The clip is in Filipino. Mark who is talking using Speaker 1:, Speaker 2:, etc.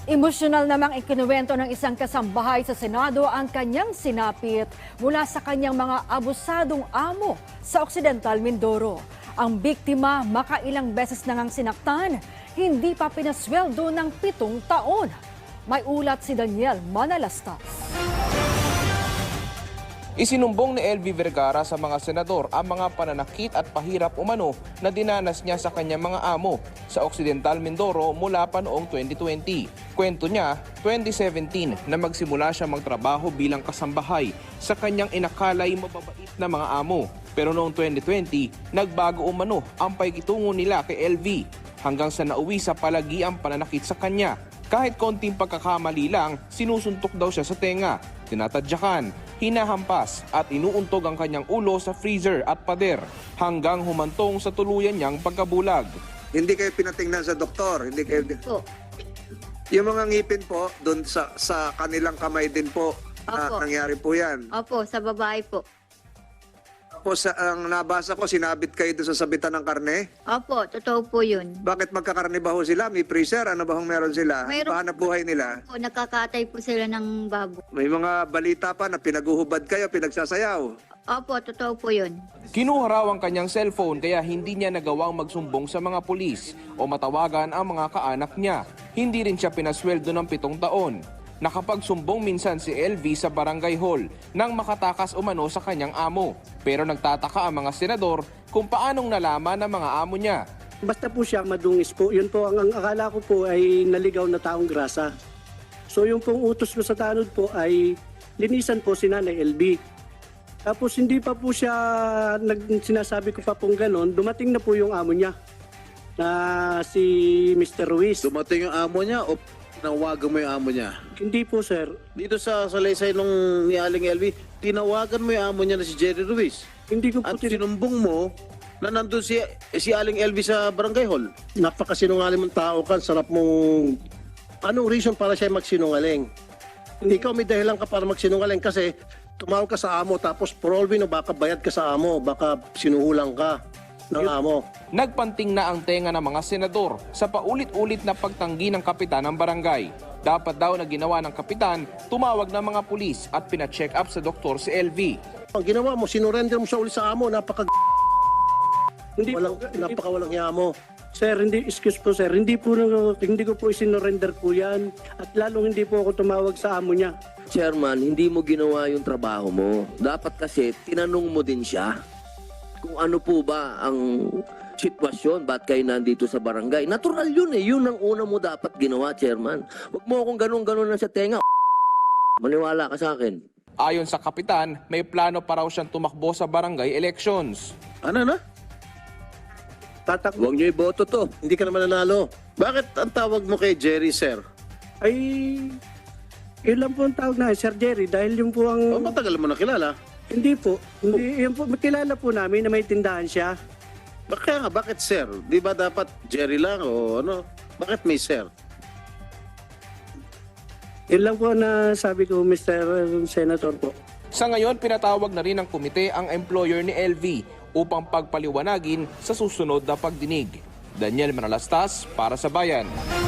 Speaker 1: Emosyonal namang ikinuwento ng isang kasambahay sa Senado ang kanyang sinapit mula sa kanyang mga abusadong amo sa Occidental Mindoro. Ang biktima makailang beses nang sinaktan, hindi pa pinasweldo ng 7 taon. May ulat si Daniel Manalastas.
Speaker 2: Isinumbong ni LV Vergara sa mga senador ang mga pananakit at pahirap umano na dinanas niya sa kanyang mga amo sa Occidental Mindoro mula pa noong 2020. Kwento niya, 2017 na magsimula siya magtrabaho bilang kasambahay sa kanyang inakalay mababait na mga amo. Pero noong 2020, nagbago umano ang pagkitungo nila kay LV hanggang sa nauwi sa palagi ang pananakit sa kanya. Kahit konting pagkakamali lang, sinusuntok daw siya sa tenga, tinatadyakan, hinahampas at inuuntog ang kanyang ulo sa freezer at pader hanggang humantong sa tuluyan niyang pagkabulag.
Speaker 3: Hindi kayo pinatingnan sa doktor, hindi kayo...
Speaker 4: Po.
Speaker 3: Yung mga ngipin po, doon sa kanilang kamay din po,
Speaker 4: Opo.
Speaker 3: nangyari po yan.
Speaker 4: Opo, sa babae po.
Speaker 3: Tapos ang nabasa ko, sinabit kayo doon sa sabitan ng karne.
Speaker 4: Opo, totoo po yun.
Speaker 3: Bakit magkakarne ba ho sila? May freezer? Ano ba hong meron sila?
Speaker 4: Mayroon-
Speaker 3: Pahanap buhay nila?
Speaker 4: Po, nakakatay po sila ng babo.
Speaker 3: May mga balita pa na pinaguhubad kayo, pinagsasayaw.
Speaker 4: Opo, totoo po yun.
Speaker 2: Kinuha raw ang kanyang cellphone kaya hindi niya nagawang magsumbong sa mga pulis o matawagan ang mga kaanak niya. Hindi rin siya pinasweldo ng 7 taon. Nakapagsumbong minsan si LV sa barangay hall nang makatakas umano sa kanyang amo. Pero nagtataka ang mga senador kung paanong nalaman ng mga amo niya.
Speaker 5: Basta po siya madungis po. Yun po, ang akala ko po ay naligaw na taong grasa. So yung pong utos ko sa tanod po ay linisan po si Nanay LB. Tapos hindi pa po siya, sinasabi ko pa pong ganon, dumating na po yung amo niya na si Mr. Ruiz.
Speaker 6: Dumating yung amo niya o tinawagan mo yung amo niya?
Speaker 5: Hindi po sir.
Speaker 6: Dito sa salaysay nung ni Aling LV, tinawagan mo yung amo niya na si Jerry Ruiz.
Speaker 5: Hindi ko po
Speaker 6: At sinumbong mo na nandun si Aling LV sa barangay hall.
Speaker 7: Napakasinungaling mong tao ka, sarap mong... Anong reason para siya magsinungaling? Ikaw may dahilan ka para magsinungaling kasi tumawag ka sa amo tapos for all we know, baka bayad ka sa amo, baka sinuhulang ka ng amo.
Speaker 2: Nagpanting na ang tenga ng mga senador sa paulit-ulit na pagtanggi ng kapitan ng barangay. Dapat daw na ginawa ng kapitan, tumawag ng mga pulis at pina-check up sa doktor si LV.
Speaker 7: Ang ginawa mo, sinurrender mo siya ulit sa amo,
Speaker 5: Hindi
Speaker 7: napakawalang hiya mo.
Speaker 5: Sir, excuse po sir, hindi ko po isinorender po yan at lalong hindi po ako tumawag sa amo niya.
Speaker 8: Chairman, hindi mo ginawa yung trabaho mo. Dapat kasi tinanong mo din siya kung ano po ba ang sitwasyon, ba't kayo nandito sa barangay. Natural yun eh, yun ang una mo dapat ginawa, Chairman. Huwag mo akong ganun-ganun na sa tenga. Maniwala ka sa akin.
Speaker 2: Ayon sa kapitan, may plano pa raw siyang tumakbo sa barangay elections.
Speaker 6: Ano na?
Speaker 7: Tatakbo.
Speaker 8: Huwag niyo iboto to.
Speaker 7: Hindi ka naman nanalo.
Speaker 6: Bakit ang tawag mo kay Jerry, sir?
Speaker 5: Ay, yun lang po ang tawag na, Sir Jerry, dahil yung po
Speaker 6: O
Speaker 5: ang...
Speaker 6: matagal mo na kilala.
Speaker 5: Hindi po, hindi, yun po, makilala po namin na may tindahan siya.
Speaker 6: Kaya nga, bakit sir? Di ba dapat Jerry lang o ano? Bakit may sir?
Speaker 5: Yun lang po na sabi ko, Mr. Senator po.
Speaker 2: Sa ngayon, pinatawag na rin ng komite ang employer ni LV upang pagpaliwanagin sa susunod na pagdinig. Daniel Manalastas para sa Bayan.